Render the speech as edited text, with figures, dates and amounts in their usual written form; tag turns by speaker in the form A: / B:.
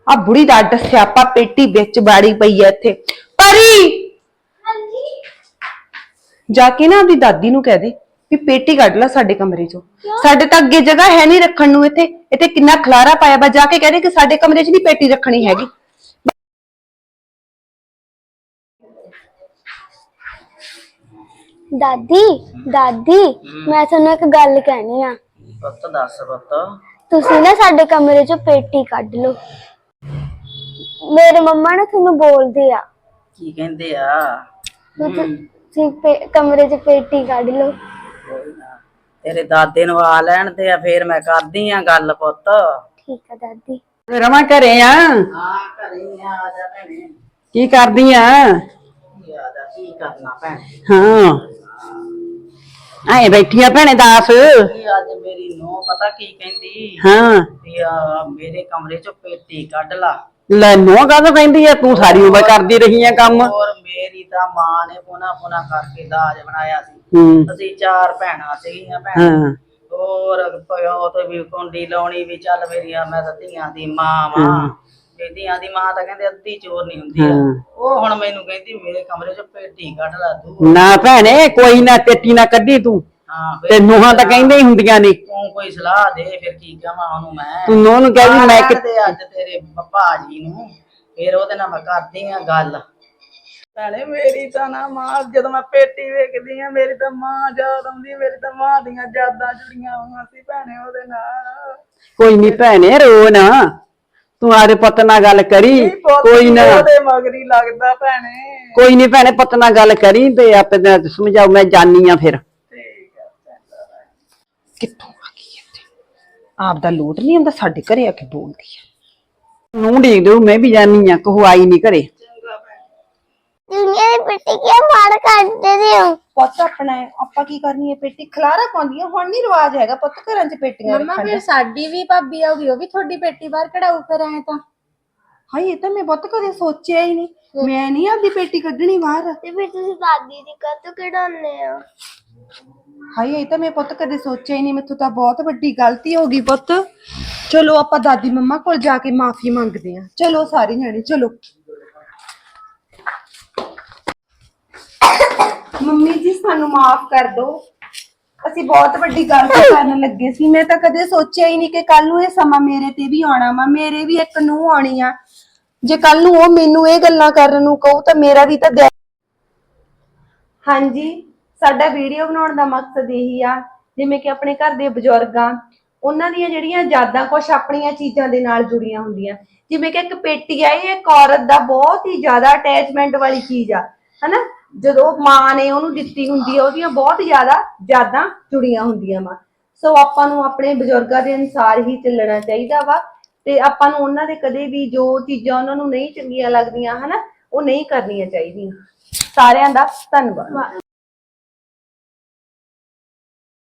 A: ਆ ਬੁੜੀ ਦਾ ਅੱਡ ਸਿਆਪਾ ਪੇਟੀ ਵਿੱਚ ਬਾੜੀ ਪਈ ਐ ਇੱਥੇ। ਪਰੀ ਜਾ ਕੇ ਨਾ ਆਪਦੀ ਦਾਦੀ ਨੂੰ ਕਹਿ ਦੇ ਵੀ ਪੇਟੀ ਕੱਢ ਲੈ ਸਾਡੇ ਕਮਰੇ ਚੋਂ। ਸਾਡੇ ਤਾਂ ਅੱਗੇ ਜਗ੍ਹਾ ਹੈ ਨਹੀਂ ਰੱਖਣ ਨੂੰ। ਇੱਥੇ ਕਿੰਨਾ ਖਲਾਰਾ ਪਾਇਆ ਵਾ। ਜਾ ਕੇ ਕਹਿ ਦੇ ਕਿ ਸਾਡੇ ਕਮਰੇ 'ਚ ਨਹੀਂ ਪੇਟੀ ਰੱਖਣੀ ਹੈਗੀ।
B: दादी दादी मैं ਤੁਹਾਨੂੰ ਇੱਕ ਗੱਲ ਕਹਿਣੀ ਆ।
C: ਪੁੱਤ ਦੱਸ ਪੁੱਤ।
B: ਤੁਸੀਂ ਨਾ ਸਾਡੇ ਕਮਰੇ ਚੋਂ ਪੇਟੀ ਕੱਢ ਲਓ। ਮੇਰੇ ਮੰਮਾ ਨਾ ਤੁਹਾਨੂੰ ਬੋਲਦੇ ਆ।
C: ਕੀ ਕਹਿੰਦੇ ਆ?
B: ਤੁਸੀਂ ਕਮਰੇ 'ਚ ਪੇਟੀ ਕੱਢ ਲਓ।
C: ਕੋਈ ਨਾ, ਤੇਰੇ ਦਾਦੇ ਨੂੰ ਆ ਲੈਣ ਤੇ ਫੇਰ ਮੈਂ ਕਰਦੀ ਆ ਗੱਲ ਪੁੱਤ।
B: ਠੀਕ ਆ ਦਾਦੀ।
A: ਰਮਾ ਘਰੇ ਆ?
C: ਹਾਂ ਘਰੇ ਆ ਜਾ ਭੈਣੇ।
A: ਕੀ ਕਰਦੀ ਆ?
C: ਆ ਜਾ, ਕੀ ਕਰਨਾ ਭੈਣੇ।
A: ਹਾਂ ਆਏ ਬੈਠੀ ਆ ਭੈਣੇ ਦੱਸ।
C: ਅੱਜ ਮੇਰੀ ਨੂੰਹ ਪਤਾ ਕੀ ਕਹਿੰਦੀ?
A: ਹਾਂ
C: ਵੀ ਆ ਮੇਰੇ ਕਮਰੇ ਚੋਂ ਪੇਟੀ ਕੱਢ ਲਾ।
A: ਲੈ ਨੂੰਹ ਕਾਹਦੋਂ ਕਹਿੰਦੀ ਆ? ਤੂੰ ਸਾਰੀ ਉਮਰ ਕਰਦੀ ਰਹੀ ਆ ਕੰਮ।
C: ਹੋਰ ਮੇਰੀ ਤਾਂ ਮਾਂ ਨੇ ਪੁਨਾ ਕਰਕੇ ਦਾਜ ਬਣਾਇਆ ਸੀ। ਅਸੀਂ 4 ਭੈਣਾਂ ਸੀਗੀਆਂ ਭੈਣਾਂ।
A: ਹਾਂ
C: ਹੋਰ ਪਿਓ ਤੇ ਵੀ ਕੁੰਡੀ ਲਾਉਣੀ ਵੀ ਚੱਲ ਮੇਰੀਆਂ ਮੈਂ ਤਾਂ ਧੀਆਂ ਦੀ ਮਾਂ ਵਾਂ। ਧੀਆਂ ਦੀ ਮਾਂ ਤਾਂ ਕਹਿੰਦੇ ਅੱਧੀ ਚੋਰ ਨਹੀਂ ਹੁੰਦੀ ਆ। ਉਹ ਹੁਣ ਮੈਨੂੰ ਕਹਿੰਦੀ ਮੇਰੇ ਕਮਰੇ 'ਚ ਪੇਟੀ ਕੱਢ ਲਾ ਤੂੰ।
A: ਨਾ ਭੈਣੇ ਕੋਈ ਨਾ ਪੇਟੀ ਨਾ ਕੱਢੀ ਤੂੰ।
C: ਹਾਂ
A: ਤੇ ਨੂੰਹਾਂ ਤਾਂ ਕਹਿੰਦੇ ਹੀ ਹੁੰਦੀਆਂ ਨੇ।
C: ਤੂੰ ਕੋਈ ਸਲਾਹ ਦੇ ਫਿਰ ਕੀ ਕਹਾਂ ਉਹਨੂੰ ਮੈਂ।
A: ਤੂੰ ਨੂੰਹ ਨੂੰ ਕਹਿ ਵੀ ਮੈਂ
C: ਕਿਤੇ ਅੱਜ ਤੇਰੇ ਭਾਜੀ ਨੂੰ ਫਿਰ ਉਹਦੇ ਨਾਲ ਮੈਂ ਕਰਦੀ ਆ ਗੱਲ। ਭੈਣੇ ਮੇਰੀ ਤਾਂ ਨਾ ਮਾਂ ਜਦੋਂ ਮੈਂ ਪੇਟੀ ਵੇਖਦੀ ਆ ਮੇਰੀ ਤਾਂ ਮਾਂ ਯਾਦ ਆਉਂਦੀ। ਮੇਰੀ ਤਾਂ ਮਾਂ ਦੀਆਂ ਯਾਦਾਂ ਜੁੜੀਆਂ ਹੋਈਆਂ ਸੀ ਭੈਣੇ ਉਹਦੇ ਨਾਲ।
A: ਕੋਈ ਨਹੀਂ ਭੈਣੇ ਰੋ ਨਾ। ਤੂੰ ਆਦੇ ਪੁੱਤ ਨਾਲ ਗੱਲ ਕਰੀ। ਕੋਈ ਨਾ
C: ਉਹਦੇ ਮਗਰੀ ਲੱਗਦਾ ਭੈਣੇ।
A: ਕੋਈ ਨਹੀਂ ਭੈਣੇ ਪੁੱਤ ਨਾਲ ਗੱਲ ਕਰੀ ਤੇ ਆਪੇ ਸਮਝਾਉ। ਮੈਂ ਜਾਨੀ ਆ ਫਿਰ।
C: ਠੀਕ ਆ
A: ਕਿੱਥੋਂ ਆ ਗਈ ਇੱਥੇ? ਆਪ ਦਾ ਲੋਟ ਨਹੀਂ ਹੁੰਦਾ ਸਾਡੇ ਘਰੇ ਆ ਕੇ ਬੋਲਦੀ ਆ। ਨੂੰ ਢੀਕ ਦਿਓ ਮੈਂ ਵੀ ਜਾਨੀ ਆ। ਕਹੋ ਆਈ ਨਹੀਂ ਘਰੇ।
B: ਦੁਨੀਆ ਦੀ ਪੇਟੀ ਕਿਉਂ ਮਾਰ ਕੱਢਦੇ ਹੋ?
A: ਪੁੱਤ ਆਪਣਾ ਆਪਾਂ ਕੀ ਕਰਨੀ ਹੈ? ਪੇਟੀ ਖਲਾਰਾ ਪਾਉਂਦੀ ਆ। ਹੁਣ ਨਹੀਂ ਰਿਵਾਜ ਹੈਗਾ ਪੁੱਤ ਘਰਾਂ 'ਚ ਪੇਟੀਆਂ ਰੱਖਣ ਦਾ।
D: ਮੰਮਾ ਫਿਰ ਸਾਡੀ ਵੀ ਭਾਬੀ ਆਉਗੀ ਉਹ ਵੀ ਤੁਹਾਡੀ ਪੇਟੀ ਬਾਹਰ ਕਢਾਊ ਫਿਰ ਐ ਤਾਂ।
A: ਹਾਏ ਇਹ ਤਾਂ ਮੈਂ ਪੁੱਤ ਕਦੇ ਸੋਚਿਆ ਹੀ ਨਹੀਂ। ਮੈਂ ਨਹੀਂ ਆਪਦੀ ਪੇਟੀ ਕੱਢਣੀ ਬਾਹਰ।
B: ਤੇ ਫਿਰ ਤੁਸੀਂ ਦਾਦੀ ਦੀ ਕਾਹਤੋਂ ਕਢਾਉਂਦੇ ਹੋ?
A: ਹਾਏ ਇਹ ਤਾਂ ਮੈਂ ਪੁੱਤ ਕਦੇ ਸੋਚਿਆ ਹੀ ਨਹੀਂ। ਮੈਥੋਂ ਤਾਂ ਬਹੁਤ ਵੱਡੀ ਗਲਤੀ ਹੋ ਗਈ ਪੁੱਤ। ਚਲੋ ਆਪਾਂ ਦਾਦੀ ਮੰਮਾ ਕੋਲ ਜਾ ਕੇ ਮਾਫੀ ਮੰਗਦੇ ਆ। ਚਲੋ ਸਾਰੇ ਜਣੇ ਚਲੋ। ਮੰਮੀ ਜੀ ਸਾਨੂੰ ਮਾਫ ਕਰ ਦਿਓ। ਅਸੀਂ ਬਹੁਤ ਵੱਡੀ ਗਲਤੀ ਕਰਨ ਲੱਗੇ ਸੀ। ਮੈਂ ਤਾਂ ਕਦੇ ਸੋਚਿਆ ਹੀ ਨਹੀਂ ਕਿ ਕੱਲ ਨੂੰ ਇਹ ਸਮਾਂ ਮੇਰੇ ਤੇ ਵੀ ਆਉਣਾ ਵਾ। ਮੇਰੇ ਵੀ ਇੱਕ ਨੂੰਹ ਆਉਣੀ ਆ। ਜੇ ਕੱਲ ਨੂੰ ਉਹ ਮੈਨੂੰ ਇਹ ਗੱਲਾਂ ਕਰਨ ਨੂੰ ਕਹੂ ਤਾਂ ਮੇਰਾ ਵੀ ਤਾਂ ਹਾਂਜੀ ਸਾਡਾ ਵੀਡੀਓ ਬਣਾਉਣ ਦਾ ਮਕਸਦ ਇਹੀ ਆ ਜਿਵੇਂ ਕਿ ਆਪਣੇ ਘਰ ਦੇ ਬਜ਼ੁਰਗਾਂ ਉਹਨਾਂ ਦੀਆਂ ਜਿਹੜੀਆਂ ਯਾਦਾਂ ਕੁਝ ਆਪਣੀਆਂ ਚੀਜ਼ਾਂ ਦੇ ਨਾਲ ਜੁੜੀਆਂ ਹੁੰਦੀਆਂ। ਜਿਵੇਂ ਕਿ ਇੱਕ ਪੇਟੀ ਆ, ਇਹ ਇੱਕ ਔਰਤ ਦਾ ਬਹੁਤ ਹੀ ਜ਼ਿਆਦਾ ਅਟੈਚਮੈਂਟ ਵਾਲੀ ਚੀਜ਼ ਆ ਹਨਾ। ਜਦੋਂ ਮਾਂ ਨੇ ਉਹਨੂੰ ਦਿੱਤੀ ਹੁੰਦੀ ਆ ਉਹਦੀਆਂ ਬਹੁਤ ਜ਼ਿਆਦਾ ਯਾਦਾਂ ਜੁੜੀਆਂ ਹੁੰਦੀਆਂ ਵਾ। ਸੋ ਆਪਾਂ ਨੂੰ ਆਪਣੇ ਬਜ਼ੁਰਗਾਂ ਦੇ ਅਨੁਸਾਰ ਹੀ ਚੱਲਣਾ ਚਾਹੀਦਾ ਵਾ ਤੇ ਆਪਾਂ ਨੂੰ ਉਹਨਾਂ ਦੇ ਕਦੇ ਵੀ ਜੋ ਚੀਜ਼ਾਂ ਉਹਨਾਂ ਨੂੰ ਨਹੀਂ ਚੰਗੀਆਂ ਲੱਗਦੀਆਂ ਹਨਾ ਉਹ ਨਹੀਂ ਕਰਨੀਆਂ ਚਾਹੀਦੀਆਂ। ਸਾਰਿਆਂ ਦਾ ਧੰਨਵਾਦ।